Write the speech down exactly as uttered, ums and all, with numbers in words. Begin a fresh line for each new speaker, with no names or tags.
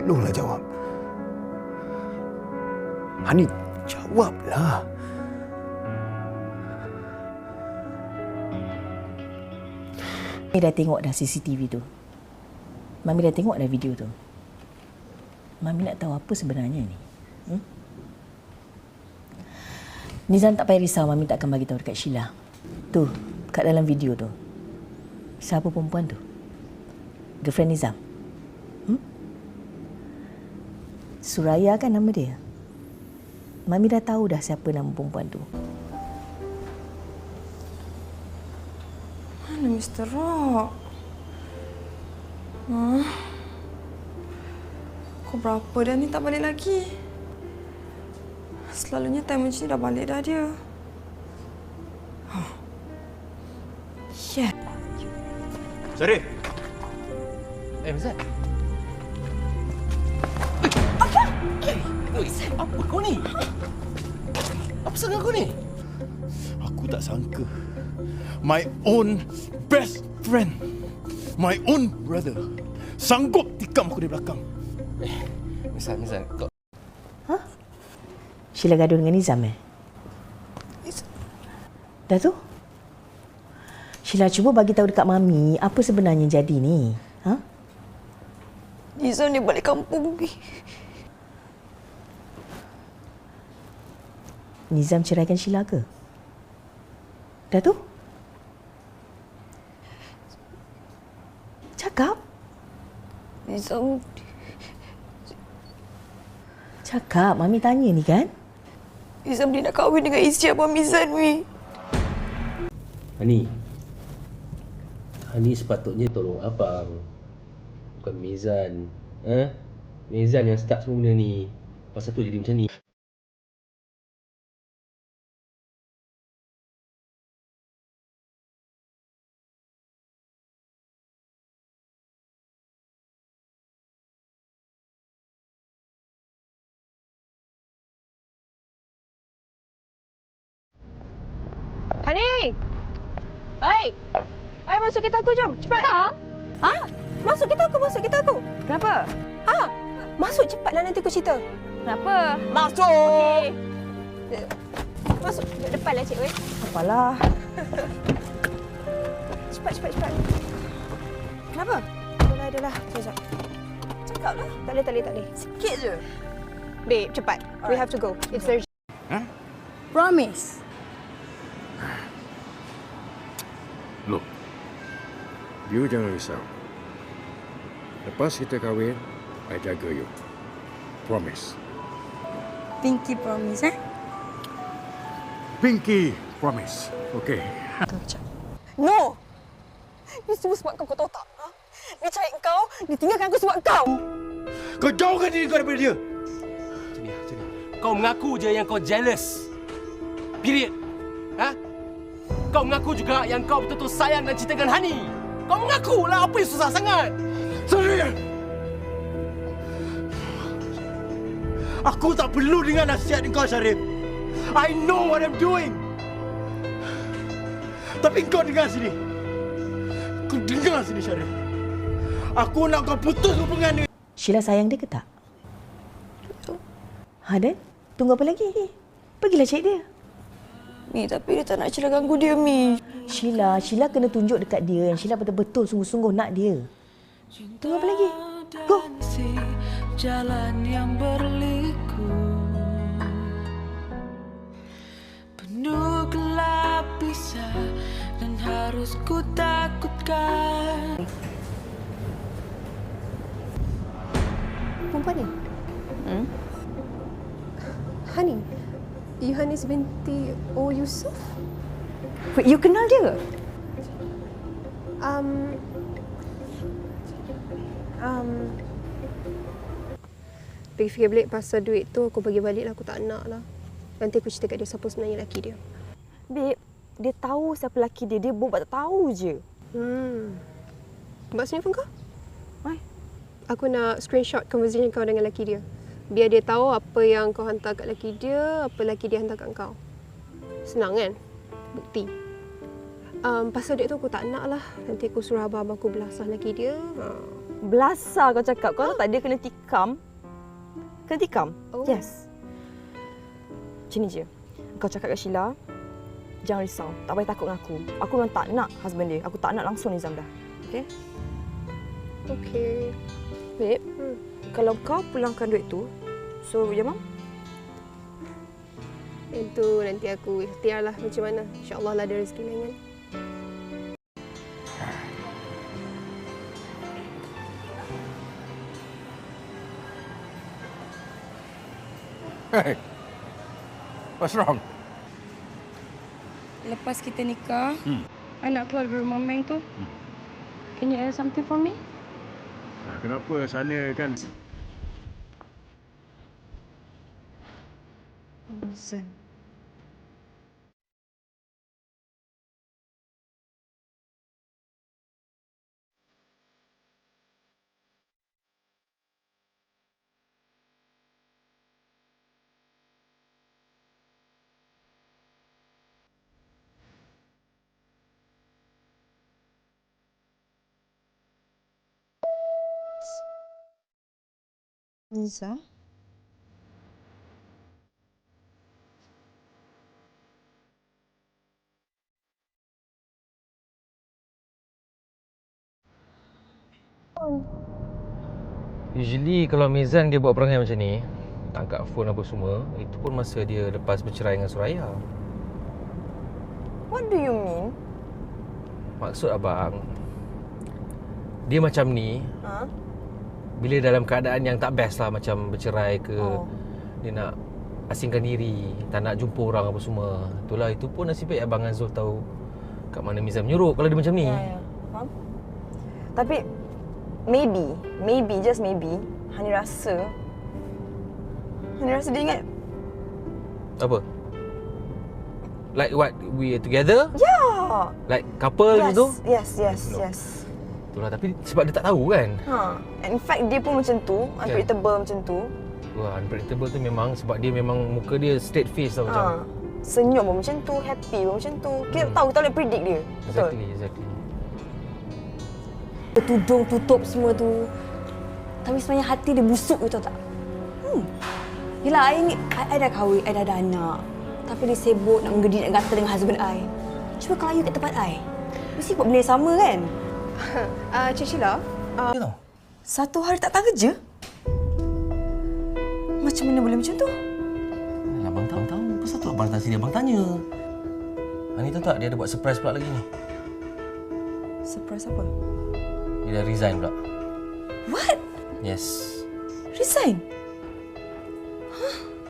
Tolonglah jawab. Hani, jawablah.
Mami dah tengok dah C C T V tu. Mami dah tengok dah video tu. Mami nak tahu apa sebenarnya ni. Hmm? Nizam tak payah risau, Mami tak akan bagi tahu dekat Sheila. Tu, kat dalam video tu. Siapa perempuan tu? Girlfriend Nizam. Hmm? Suraya kan nama dia. Mami dah tahu dah siapa nama perempuan tu.
Mana Mister Rock? Huh? Kau berapa dah ni tak balik lagi? Selalunya time macam ni dah balik dah dia. Huh. Yeah.
Syarif! Eh, Mazat.
Apa?
Eh, apa kau ni? Apa sangat kau ni?
Aku tak sangka. My own best friend. My own brother. Sanggup tikam aku dari belakang.
Eh, Mazat, Mazat, kau...
Hah? Sheila gaduh dengan Nizam eh? Dah tu? Sheila cuba bagi tahu dekat Mami apa sebenarnya jadi ni. Ha?
Nizam ni balik kampung ni.
Nizam ceraikan Sheila ke? Dah tu? Cakap.
Nizam...
Cakap, Mami tanya ni kan?
Nizam dia nak kahwin dengan isteri Abang Mizan, Wi.
Hani. Hani sepatutnya tolong abang. Bukan Mizan. Ha? Mizan yang start semua benda ni. Pasal tu jadi macam ni.
Hani! Baik! Ayo masuk kereta aku, jom. Cepat. Tak. Ha? Masuk kereta aku, masuk kereta aku. Kenapa? Ha? Masuk cepatlah, nanti aku cerita. Kenapa? Masuk! Okey. Masuk. Duduk depanlah, Cik Wei.
Apalah.
Cepat, cepat, cepat. Kenapa? Adalah, adalah. Sekejap. Cakaplah. Tak boleh, tak boleh, tak boleh. Sikit je. Babe, cepat. Alright. We have to go. It's urgent.
Huh?
Promise.
Look, you jangan risau. Lepas kita kahwin, I jaga you. Promise.
Pinky promise, eh?
Pinky promise. Okay.
No! Ini semua sebab kau, kau tahu tak? Ha? Dia cari kau, dia tinggalkan aku sebab kau!
Kau jauhkan diri kau daripada dia!
Macam ni, macam ni. Kau mengaku je yang kau jealous. Period. Ha? Kau mengaku juga yang kau betul-betul sayang dan cinta dengan Hani. Kau mengaku lah, apa yang susah sangat?
Syarif! Aku tak perlu dengar nasihat kau, Syarif. I know what I'm doing. Tapi kau dengar sini. Kau dengar sini, Syarif. Aku nak kau putus hubungan dia.
Sheila sayang dia ke tak? Ha, Dan? Tunggu apa lagi? Pergilah cari dia.
Mi, tapi dia tak nak Sheila ganggu dia, Mi.
Sheila, Sheila kena tunjuk dekat dia yang Sheila betul-betul sungguh-sungguh nak dia. Tunggu apa lagi? Go!
Jalan yang berliku, penuh gelap bisa dan harus ku takutkan.
Perempuan ni?
Hmm?
Hani? Yohanes binti O. Yusof?
Wait, you kenal dia?
Um... Um... Fikir-fikir balik pasal duit tu, aku bagi balik lah. Aku tak nak lah. Nanti aku cerita kat dia siapa sebenarnya lelaki dia.
Babe, dia tahu siapa lelaki dia. Dia buat tak tahu je.
Hmm. Buat sini phone kau?
Why?
Aku nak screenshot conversation kau dengan lelaki dia. Biar dia tahu apa yang kau hantar kat lelaki dia, apa lelaki dia hantar kat kau. Senang kan? Bukti. Um, pasal duit tu aku tak nak lah. Nanti aku suruh abang-abang aku belasah lelaki dia. Ha.
Belasah kau cakap. Kau tahu tak dia kena tikam? Kena tikam?
Oh.
Yes. Macam ni je. Kau cakap kat Sheila, jangan risau. Tak payah takut dengan aku. Aku memang tak nak husband dia. Aku tak nak langsung Nizam dah. Okay?
Okay.
Babe, hmm. kalau kau pulangkan duit tu, so ya mam?
Itu nanti aku ikhtiar lah macam mana. InsyaAllah lah ada rezeki lain kan.
Hey, what's wrong?
Lepas kita nikah,
Hmm.
I nak keluar dari rumah Meng tu.
Hmm.
Can you add something for me?
Kenapa sana kan?
Bosan.
Nizam?
Usually kalau Mizan dia buat perangai macam ni, tak angkat phone apa semua, itu pun masa dia lepas bercerai dengan Suraya.
What do you mean?
Maksud abang, dia macam ni
Ha?
bila dalam keadaan yang tak best lah, macam bercerai ke,
Oh.
dia nak asingkan diri, tak nak jumpa orang apa semua. Itulah, itu pun nasib baik abang Azul tahu kat mana Mizan menyuruh kalau dia macam ni.
Ya, ya. Faham? Tapi, maybe, maybe, just maybe, Hani rasa, Hani rasa dia ingat,
Apa? Like what, we are together?
ya.
Like couple
Yes,
gitu?
yes, yes,
No.
yes.
Itulah, tapi sebab dia tak tahu kan.
Ha. In fact, dia pun macam tu, unpredictable macam tu.
Wah, unpredictable tu memang sebab dia memang muka dia straight face tau
Ha.
macam.
Senyum pun macam tu, happy pun macam tu. Kita
Hmm.
tahu, kita boleh predict dia. Betul?
Exactly, exactly.
Tudung tutup semua tu. Tapi sebenarnya hati dia busuk, you tahu tak? Hmm. Yelah, I ni, I, I dah kahwin, I dah ada anak. Tapi dia sibuk nak menggedi, nak gatal dengan husband I. Cuba kalau you kat tempat I, mesti buat benda yang sama kan?
Uh, Cik Sheila, uh,
Dia tahu.
Satu hari tak datang kerja? Macam mana boleh macam tu?
Abang tahu tahu. Pasal tu abang datang sini abang tanya. Ani tahu tak dia ada buat surprise pula lagi ni.
Surprise apa?
Dia dah resign pula.
What?
Yes.
Resign?